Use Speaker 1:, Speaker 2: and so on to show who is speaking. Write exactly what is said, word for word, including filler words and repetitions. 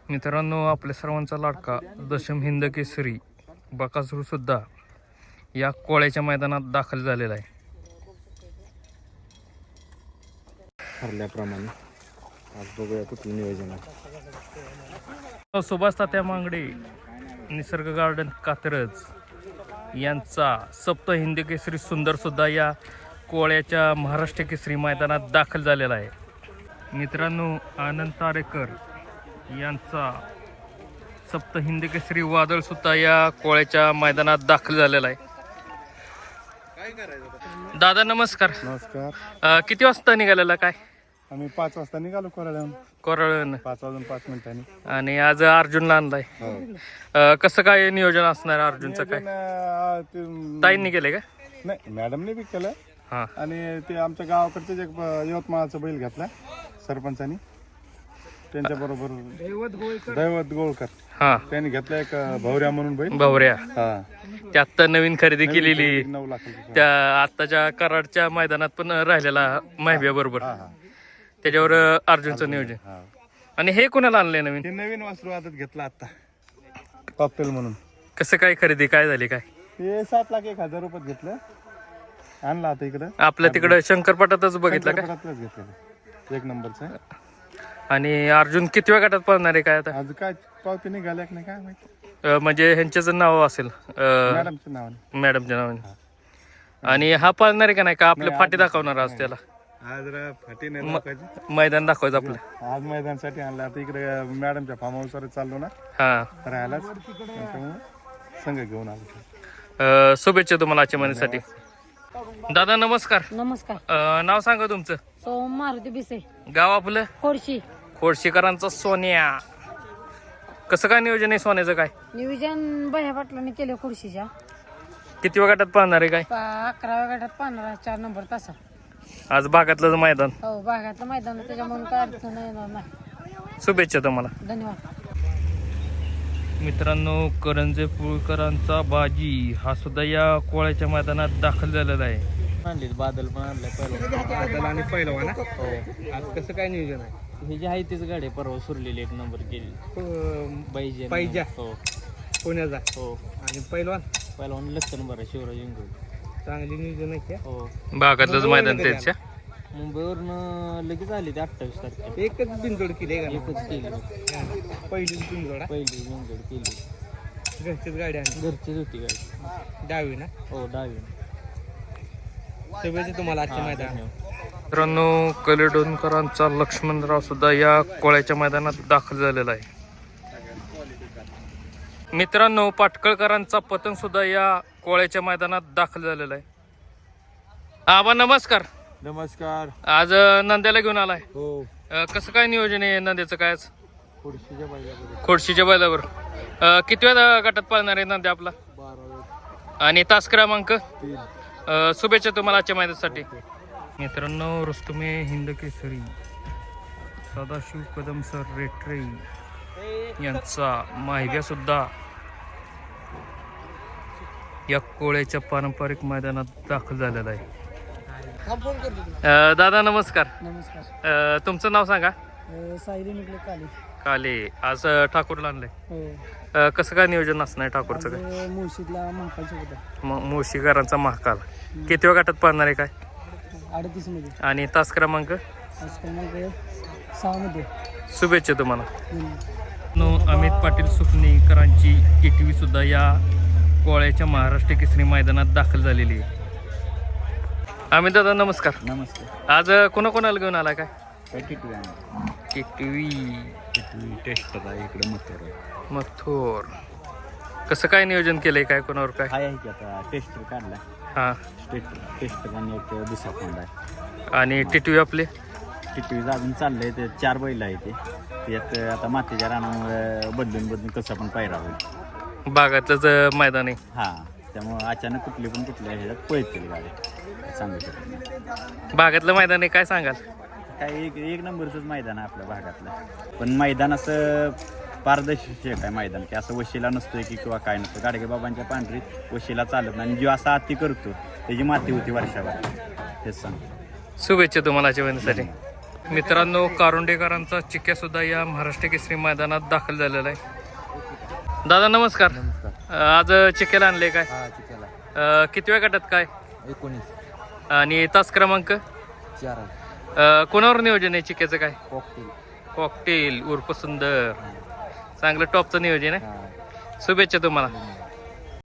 Speaker 1: मित्रांनो, आपल्या सर्वांचा लाडका दशम हिंद केसरी बकासूर सुद्धा या कोळ्याच्या मैदानात दाखल झालेला आहे.
Speaker 2: ठरल्याप्रमाणे आज बघूया कुठलं नियोजन आहे.
Speaker 1: सुभाष तात्या मांगडे निसर्ग गार्डन कात्रज यांचा सप्त हिंद केसरी सुंदर सुद्धा या कोळ्याच्या महाराष्ट्र केसरी मैदानात दाखल झालेला आहे. मित्रांनो, आनंद तारेकर यांचा सप्त हिंद केसरी वादळ सुद्धा या कोळ्याच्या मैदानात दाखल झालेला आहे. दादा नमस्कार.
Speaker 2: नमस्कार.
Speaker 1: अ, किती वाजता निघालेला काय?
Speaker 2: आम्ही पाच वाजता निघालो कोराड्याहून.
Speaker 1: कोरळण.
Speaker 2: पाच वाजून पाच मिनिटांनी.
Speaker 1: आणि आज अर्जुनला आणलाय. अ, कसं काय नियोजन असणार अर्जुनचं काय? ताईंनी केले का?
Speaker 2: नाही, मॅडमने बी केलं.
Speaker 1: हा.
Speaker 2: आणि ते आमच्या गावाकडचंच एक यवतमाळचा बैल घेतला सरपंचानी, त्यांच्या बरोबर दैवत गोळकर.
Speaker 1: हा.
Speaker 2: त्यांनी घेतला एक भवऱ्या म्हणून बैल.
Speaker 1: भवऱ्या.
Speaker 2: हा.
Speaker 1: त्या आत्ता नवीन खरेदी केलेली
Speaker 2: नऊ लाख रुपये.
Speaker 1: त्या आत्ताच्या कराडच्या मैदानात पण राहिलेला माहिब्या बरोबर.
Speaker 2: हा हा.
Speaker 1: त्याच्यावर अर्जुनचं नियोजन.
Speaker 2: हा.
Speaker 1: आणि हे कोणाला आणलंय नवीन?
Speaker 2: हे नवीन वासरू आदत घेतला आता, कॉकटेल म्हणून.
Speaker 1: कसं काय खरेदी काय झाली काय?
Speaker 2: हे सात लाख एक हजार रुपयात घेतलं, आणला आता इकडं.
Speaker 1: आपल्या तिकडं शंकरपटातच बघितलं का?
Speaker 2: शंकरपटातलंच घेतलेलं, एक नंबरचं.
Speaker 1: आणि अर्जुन किती वेळ गटात पळणार आहे काय आता?
Speaker 2: आज काय पावती निघाल्या की नाही काय माहिती.
Speaker 1: अ, म्हणजे ह्यांच्याच नाव असेल अ,
Speaker 2: मॅडमच्या नावाने.
Speaker 1: मॅडमच्या नावाने. आणि हा पळणार आहे का नाही का? आपल्या
Speaker 2: नाही,
Speaker 1: फाटी
Speaker 2: आज
Speaker 1: दाखवणार आज त्याला?
Speaker 2: आज जरा फाटी नाही दाखवायची.
Speaker 1: मैदान दाखवायचं आपलं.
Speaker 2: आज मैदानासाठी आणलं. आता इकडे मॅडमच्या फार्म हाऊसवर चाललो ना
Speaker 1: हा.
Speaker 2: राहायलाच, त्याच्यामुळे संघ घेऊन आलो.
Speaker 1: अ, शुभेच्छा तुम्हाला आजच्या महिन्यासाठी. दादा नमस्कार.
Speaker 3: नमस्कार.
Speaker 1: अ, नाव सांगा तुमचं.
Speaker 3: सोम मारुती बिसे,
Speaker 1: गाव आपलं?
Speaker 3: खोडशी.
Speaker 1: खोडशीकरांचा सोन्या. कसं काय नियोजन आहे सोन्याचं काय?
Speaker 3: नियोजन बह्या पाटलांनी केलं खोडशीच्या.
Speaker 1: किती वेळ गटात पळणार आहे काय?
Speaker 3: पा- अकराव्या गटात पाहणार चार नंबर तासा.
Speaker 1: आज भागातलं मैदान.
Speaker 3: हो, भागातलं मैदान त्याच्यामुळे काय अडचण येणार नाही.
Speaker 1: शुभेच्छा तुम्हाला.
Speaker 3: धन्यवाद.
Speaker 1: मित्रांनो, करंजे पुळकरांचा बाजी हा सुद्धा या कोळ्याच्या मैदानात दाखल झालेला आहे.
Speaker 4: आणली बादल पण आणलाय पहिला.
Speaker 1: बादल आणि पहिलवान ना?
Speaker 4: हो,
Speaker 1: आज कसं काय नियोजन आहे?
Speaker 4: ही जी आहे तीच गाडी परवा सुरलेली एक नंबर केली. पाहिजे
Speaker 1: पाहिजे.
Speaker 4: हो
Speaker 1: पुण्याचा.
Speaker 4: हो.
Speaker 1: आणि पहिलवान
Speaker 4: पहिला लक्षण बरं शिवराज इंगोल.
Speaker 1: चांगली नियोजन आहे.
Speaker 4: हो,
Speaker 1: भागातलंच मैदान त्याच्या.
Speaker 4: मुंबईवरनं लगेच आली ते अठ्ठावीस तारखेला.
Speaker 1: एकच बिनजोड केली
Speaker 4: एकच केली,
Speaker 1: पहिलीच बिनजोड.
Speaker 4: पहिली इंगोल केली.
Speaker 1: घरचीच गाडी आणि
Speaker 4: घरचीच होती गाडी.
Speaker 1: डावी ना?
Speaker 4: हो, डावी.
Speaker 1: शुभेच्छा तुम्हाला आजच्या
Speaker 4: हा,
Speaker 1: मैदानात.
Speaker 4: धन्यवाद.
Speaker 1: मित्रांनो, कलेडोनकरांचा लक्ष्मणराव सुद्धा या कोळ्याच्या मैदानात दाखल झालेला आहे. मित्रांनो, पाटकळकरांचा पतंग सुद्धा या कोळ्याच्या मैदानात दाखल झालेला आहे. आबा नमस्कार.
Speaker 2: नमस्कार.
Speaker 1: आज अ, नंद्याला घेऊन आलाय.
Speaker 2: हो,
Speaker 1: अ, कसं काय नियोजन आहे नंद्याचं काय आज?
Speaker 2: खोडशीच्या बैलावर
Speaker 1: खोडशीच्या बैलावर. अ, किती वेळा गटात पाळणार आहे नंद्या आपला?
Speaker 2: बारा
Speaker 1: आणि तास क्रमांक?
Speaker 2: तीन.
Speaker 1: अ, शुभेच्छा तुम्हाला आजच्या मैदानासाठी. मित्रांनो, रुस्तुमे हिंद केसरी सदाशिव कदम सर रेटरे यांचा माहिब्या सुद्धा या कोळ्याच्या पारंपरिक मैदानात दाखल झालेला आहे. अ, दादा नमस्कार.
Speaker 3: नमस्कार.
Speaker 1: अ, तुमचं नाव सांगा.
Speaker 3: सायली निघले काली.
Speaker 1: काले. आज अ, ठाकूरला आणलंय.
Speaker 3: हो.
Speaker 1: अ, कसं काय नियोजन असणार ठाकूरचं काय?
Speaker 3: मुळशीतला महाकाल सोबत
Speaker 1: म- मुळशीकरांचा महाकाल. किती वेळ गटात पाळणार आहे काय?
Speaker 3: अडतीस मध्ये.
Speaker 1: आणि तास क्रमांक?
Speaker 3: सहा मध्ये.
Speaker 1: शुभेच्छा तुम्हाला. नो अमित पाटील सुकणीकरांची टिटवी सुद्धा या कोळ्याच्या महाराष्ट्र केसरी मैदानात दाखल झालेली आहे. अमित दादा नमस्कार.
Speaker 2: नमस्ते.
Speaker 1: आज कोणाकोणाला घेऊन आला काय?
Speaker 2: टिटवी
Speaker 1: टिटवी.
Speaker 2: टिटवी टेस्ट आहे इकडे मथुर.
Speaker 1: मथोर. कसं काय नियोजन केलंय काय कोणावर काय?
Speaker 2: आहे की आता टेस्टर काढला.
Speaker 1: हां.
Speaker 2: टेस्टर टेस्टर आणि एक दुसरा कोंडा आहे.
Speaker 1: आणि टिटवी आपले?
Speaker 2: टिटवीचं अजून चाललंय ते चार बैल आहे ते. त्यात आता मातीच्या रानामुळे बदलून बदलून कसं पण पायरा होईल.
Speaker 1: बागातलंच मैदान आहे.
Speaker 2: हा, त्यामुळे अचानक कुठली पण कुठल्या ह्याच्यात पळतील गाडी, सांगू शकत नाही.
Speaker 1: बागातलं मैदान आहे काय सांगाल?
Speaker 2: काय एक एक नंबरचंच मैदान आहे आपल्या भागातलं. पण मैदान असं पारदर्शक आहे मैदान, की असं वशिला नसतोय की किंवा काय नसतं. गाडगे बाबांच्या पांढरीत वशिला चालत नाही. आणि जो असा अति करतो त्याची माती होती वर्षावर. तेच सांगतो.
Speaker 1: शुभेच्छा तुम्हाला आजच्या महिन्यासाठी. मित्रांनो, कारुंडेकरांचा चिक्या सुद्धा या महाराष्ट्र केसरी मैदानात दाखल झालेला आहे. दादा नमस्कार.
Speaker 5: नमस्कार.
Speaker 1: अ, आज चिक्याला आणले काय?
Speaker 5: हा चिक्याला
Speaker 1: अ, कितव्या गटात काय
Speaker 5: एकोणीस
Speaker 1: आणि तास क्रमांक?
Speaker 5: चार
Speaker 1: अ, कोणावर नियोजन आहे चिक्याचं काय?
Speaker 5: कॉकटेल.
Speaker 1: कॉकटेल उर्फ सुंदर. चांगलं टॉपचं नियोजन आहे.
Speaker 5: हा
Speaker 1: शुभेच्छा तुम्हाला.
Speaker 5: धन्यवाद.